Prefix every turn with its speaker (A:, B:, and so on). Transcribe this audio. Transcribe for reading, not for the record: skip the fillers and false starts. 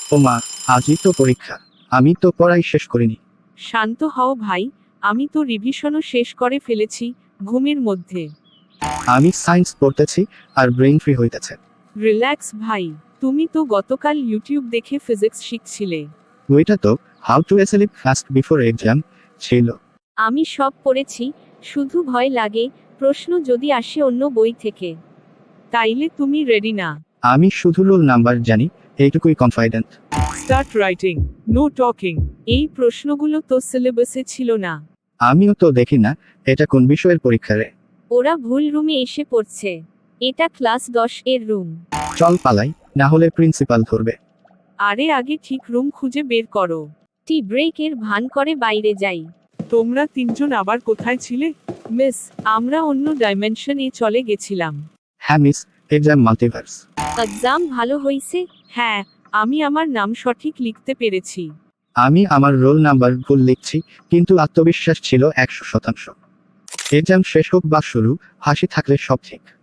A: ও মা, আজই তো পরীক্ষা। আমি তো পড়াই শেষ করিনি।
B: শান্ত হও ভাই, আমি তো রিভিশনও শেষ করে ফেলেছি ঘুমের মধ্যে।
A: আমি সায়েন্স পড়তেছি আর ব্রেইন ফ্রি হইতেছে।
B: রিল্যাক্স ভাই, তুমি তো গতকাল ইউটিউব দেখে ফিজিক্স শিখছিলে।
A: ওইটা তো how to sleep fast before exam ছিল।
C: আমি সব পড়েছি, শুধু ভয় লাগে প্রশ্ন যদি আসে অন্য বই থেকে।
B: তাইলে তুমি রেডি না?
A: আমি শুধু রোল নাম্বার জানি, এইটুকুই confident.
B: Start writing, no talking. এই প্রশ্নগুলো তো সিলেবাসে ছিল না।
A: আমিও তো দেখি না, এটা কোন বিষয়ের পরীক্ষা রে।
C: ওরা ভুল রুমে এসে পড়ছে। এটা ক্লাস 10 এর রুম।
A: চল পালাই, না হলে প্রিন্সিপাল ধরবে।
B: আরে আগে ঠিক রুম খুঁজে বের করো।
C: টি ব্রেকের ভান করে বাইরে যাই।
B: তোমরা তিনজন আবার কোথায় ছিলে? মিস, আমরা অন্য ডাইমেনশনে চলে গেছিলাম।
A: হ্যাঁ মিস, এক্সাম মাল্টিভার্স।
C: এক্সাম ভালো হইছে?
B: হ্যাঁ, আমি আমার নাম সঠিক লিখতে পেরেছি।
A: আমি আমার রোল নাম্বার ভুল লিখছি, কিন্তু আত্মবিশ্বাস ছিল 100%। এক্সাম শেষ হোক বা শুরু, হাসি থাকলে সব ঠিক।